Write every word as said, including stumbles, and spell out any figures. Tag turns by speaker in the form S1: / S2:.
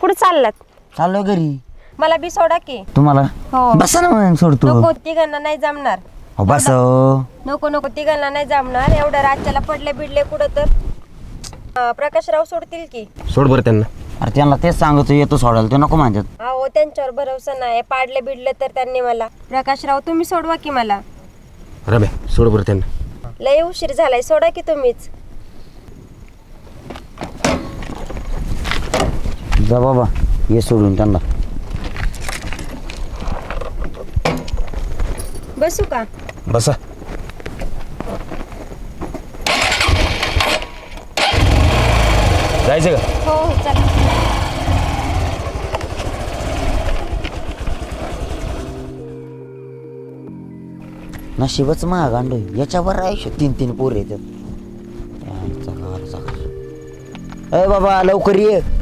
S1: कुठे चाललात?
S2: चाललोय घरी.
S1: मला बी सोडा की.
S2: तुम्हाला
S1: हो.
S2: बसा ना मग सोडतो.
S1: नको, तिघांना नाही जमणार.
S2: हो बस हो.
S1: नको नको, तिघांना नाही जमणार. एवढं राज्याला पडले बिडले कुठं तर अं, प्रकाशराव सोडतील की.
S3: सोड बरं त्यांना.
S2: अरे त्यांना तेच सांगतो येतो सोडायला, ते नको म्हणतात.
S1: अहो त्यांच्यावर भरोसा नाही. पाडले बिडले तर त्यांनी मला. प्रकाशराव तुम्ही सोडवा की मला.
S3: रम्या सोड बरं त्यांना.
S1: लय उशीर झालाय, सोडा की तुम्हीच.
S2: जा बाबा, ये सोडून त्यांना.
S1: बसू का?
S3: बसा. जायचं का?
S1: हो हो चला.
S2: नशीबच महाग आणलोय, याच्यावर आयुष्य तीन तीन पोर येतात. ए बाबा लवकर ये.